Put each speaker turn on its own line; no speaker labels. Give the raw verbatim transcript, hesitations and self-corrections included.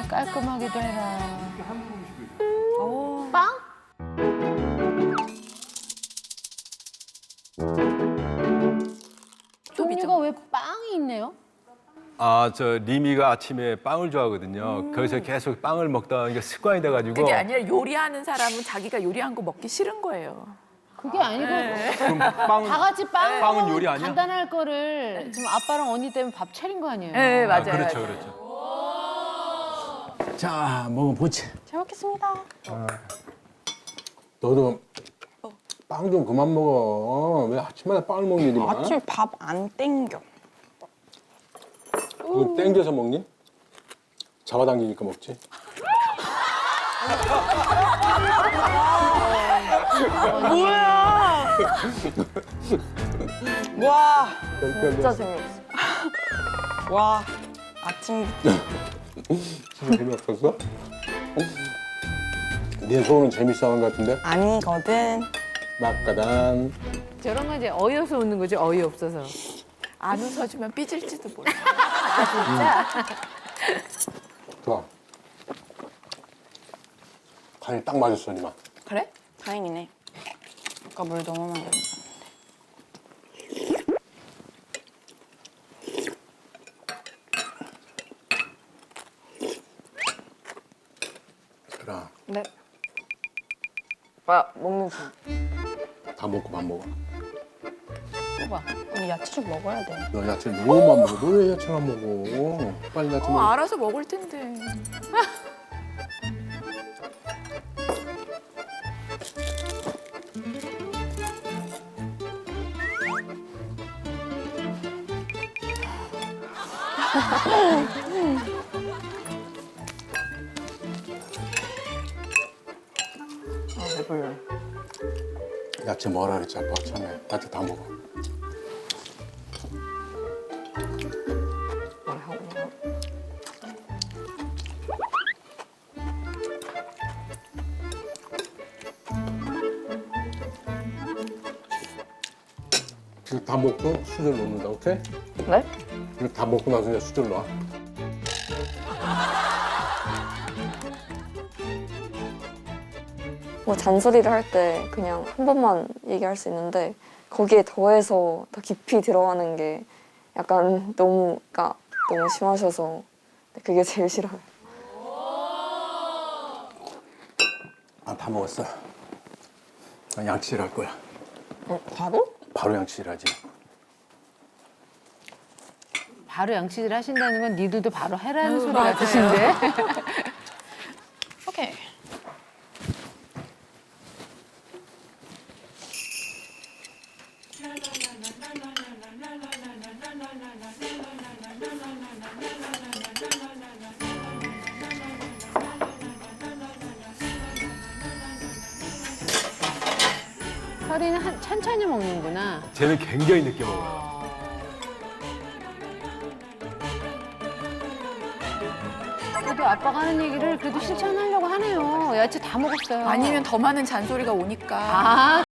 깔끔하기도 해라. 오. 빵? 종류가 왜 빵이 있네요?
아, 저 리미가 아침에 빵을 좋아하거든요.
음.
그래서 계속 빵을 먹다 보니까 습관이 돼가지고.
그게 아니라 요리하는 사람은 자기가 요리한 거 먹기 싫은 거예요.
그게 아니고
그럼 빵은
다 같이 빵
빵은
먹으면
요리 아니야?
간단할 거를 지금 아빠랑 언니 때문에 밥 차린 거 아니에요?
네, 맞아요.
아, 그렇죠,
맞아요.
그렇죠.
자, 먹어보지.
잘 먹겠습니다.
너도 빵 좀 그만 먹어. 왜 아침마다 빵을 먹니, 니마?
아침에 밥 안 땡겨.
그거 땡겨서 먹니? 잡아당기니까 먹지.
뭐야? 와,
진짜
재미없어. 와, 아침부터.
진짜 재미없었어? 네 소원은 재밌어 하는 것 같은데?
아니거든.
막가단.
저런 건 이제 어이없어 웃는 거지, 어이없어서.
안 웃어주면 삐질지도 몰라.
좋아. 간이 딱 맞았어, 니마.
그래? 다행이네. 아까 물 너무 많이 넣었는데.
그래.
네. 오빠 먹는 중.
다 먹고 밥 먹어.
봐봐.
언니 야채 좀 먹어야 돼.
너 야채 너무 안 먹어. 너 왜 야채를 안 먹어? 빨리 야채
어,
먹어.
알아서 먹을 텐데.
아, 배불러.
야채 뭐라 그랬지, 아빠 처음에. 야채 다 먹어.
뭘 하고 먹어?
이거 다 먹고 수저 넣는다, 오케이?
네?
이거 다 먹고 나서 이제 수저 넣어.
뭐 잔소리를 할 때 그냥 한 번만 얘기할 수 있는데 거기에 더해서 더 깊이 들어가는 게 약간 너무 그러니까 너무 심하셔서 그게 제일 싫어요.
아, 다 먹었어. 난 양치질 할 거야.
어, 바로?
바로 양치질 하지.
바로 양치질 하신다는 건 니들도 바로 해라는 소리
맞아요.
같으신데?
오케이.
설이는 한, 천천히 먹는구나.
쟤는 굉장히 늦게 먹어요.
그래도 아빠가 하는 얘기를 그래도 실천하려고 하네요. 야채 다 먹었어요.
아니면 더 많은 잔소리가 오니까.
아,